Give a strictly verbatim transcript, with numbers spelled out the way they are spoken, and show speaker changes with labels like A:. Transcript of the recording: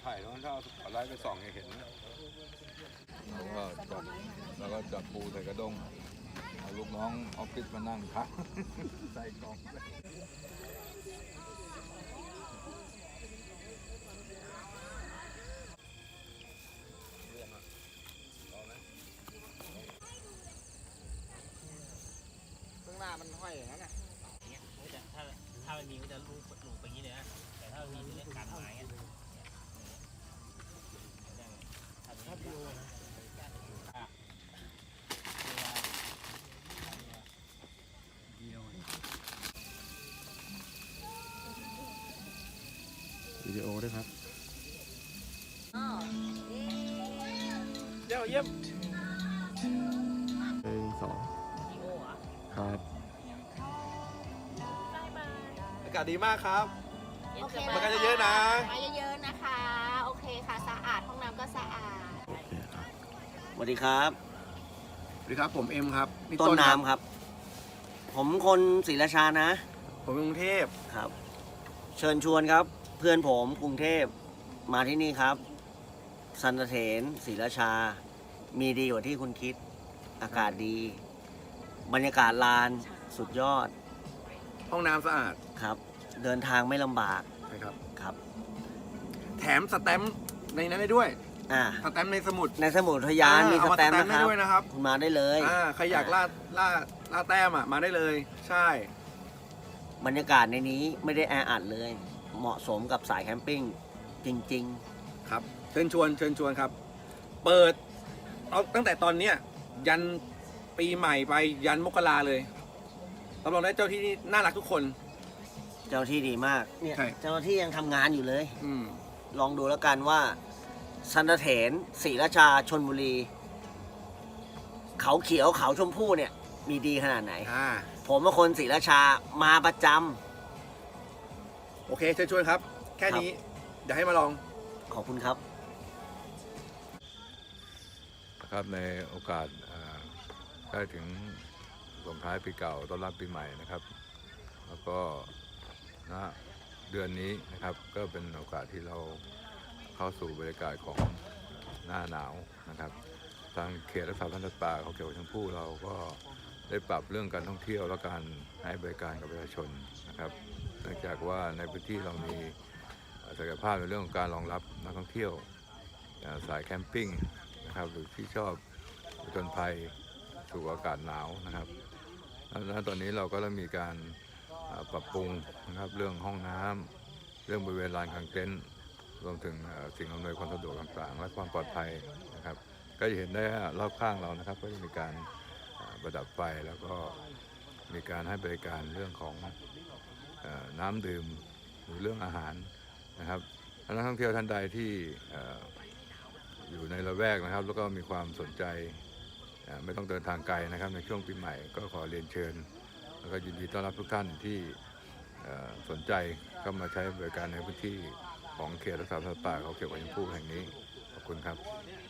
A: ถ่ายแล้วถ้าเอาไลท์ไปส่องจะเห็นแล้วก็จับแล้วก็จับปูใส่กระด้งเอาลูกน้องออฟฟิศมานั่งพักใส่กล่อง
B: ข้างหน้ามันห้อยอย่างนั้นน่ะถ้าถ้ามันมีก็จะลูกลูกไปอย่างนี้เลยนะแต่ถ้ามีเรื่องการไม้อะถ้าดูนะวิดีโอด้วยครับเดี๋ยวเยี่ยมหนึ่งสองครับอากาศดีมากครับมากันเยอะๆนะ
C: มาเยอะๆนะคะโอเคค่ะสะอาดห้องน้ำก็สะอาด
B: สวัสดีครับ
A: สวัสดีครับผมเอ็มครับ
B: ต้นน้ำครับผมคนศรีราชานะ
A: ผมกรุงเทพ
B: ครับเชิญชวนครับเพื่อนผมกรุงเทพมาที่นี่ครับสันตเถนศรีราชามีดีกว่าที่คุณคิดอากาศดีบรรยากาศลานสุดยอด
A: ห้องน้ำสะอาด
B: ครับเดินทางไม่ลำบาก
A: ใช่ครับ
B: ครับ
A: แถมสแตมป์ในนั้นได้ด้วย
B: อ่า
A: สแตมป์ในสมุด
B: ในสมุดทยานมีสแตมป์
A: นะครับ
B: คุณมาได้เลย
A: อ่าใครอยากล่าล่าล่าแต้มอ่ะมาได้เลยใช่
B: บรรยากาศในนี้ไม่ได้แออัดเลยเหมาะสมกับสายแคมปิ้งจริง
A: ๆครับเชิญชวนเชิญชวนครับเปิดเอาตั้งแต่ตอนเนี้ยยันปีใหม่ไปยันมกราเลยรับรองได้เจ้าที่นี่น่ารักทุกคน
B: เจ้าที่ดีมากเนี่ยเจ้าที่ยังทำงานอยู่เลย
A: อืม
B: ลองดูแล้วกันว่าสันตเถนศรีราชาชลบุรีเขาเขียวเขาชมพู่เนี่ยมีดีขนาดไหนผมเป็นคนศรีราชามาประจ
A: ำโอเคเชิญชวนครับแค่นี้เดี๋ยวให้มาลอง
B: ขอบคุณครับ
A: ครับในโอกาสใกล้ถึงส่งท้ายปีเก่าต้อนรับปีใหม่นะครับแล้วก็ณเดือนนี้นะครับก็เป็นโอกาสที่เราเข้าสู่บรรยากาศของหน้าหนาวนะครับทางเขตรักษาพันธุ์สัตว์ป่าเขาเขียวชมพู่เราก็ได้ปรับเรื่องการท่องเที่ยวและการให้บริการกับประชาชนนะครับเนื่องจากว่าในพื้นที่เรามีศักยภาพในเรื่องของการรองรับนักท่องเที่ยวสายแคมปิ้งนะครับหรือที่ชอบผจญภัยสู่อากาศหนาวนะครับแล้วตอนนี้เราก็เริ่มมีการปรับปรุงนะครับเรื่องห้องน้ำเรื่องบริเวณลานกางเต็นท์รวมถึงสิ่งอำนวยความสะดวกต่างๆและความปลอดภัยนะครับก็จะเห็นได้รอบข้างเรานะครับก็จะมีการประดับไฟแล้วก็มีการให้บริการเรื่องของน้ำดื่มหรือเรื่องอาหารนะครับนักท่องเที่ยวท่านใดที่อยู่ในละแวกนะครับแล้วก็มีความสนใจไม่ต้องเดินทางไกลนะครับในช่วงปีใหม่ก็ขอเรียนเชิญแล้วก็ยินดีต้อนรับทุกท่านที่สนใจเข้ามาใช้บริการในพื้นที่ของเขตรักษาพันธุ์สัตว์ป่าเขาเขียวชมพู่แห่งนี้ขอบคุณครับ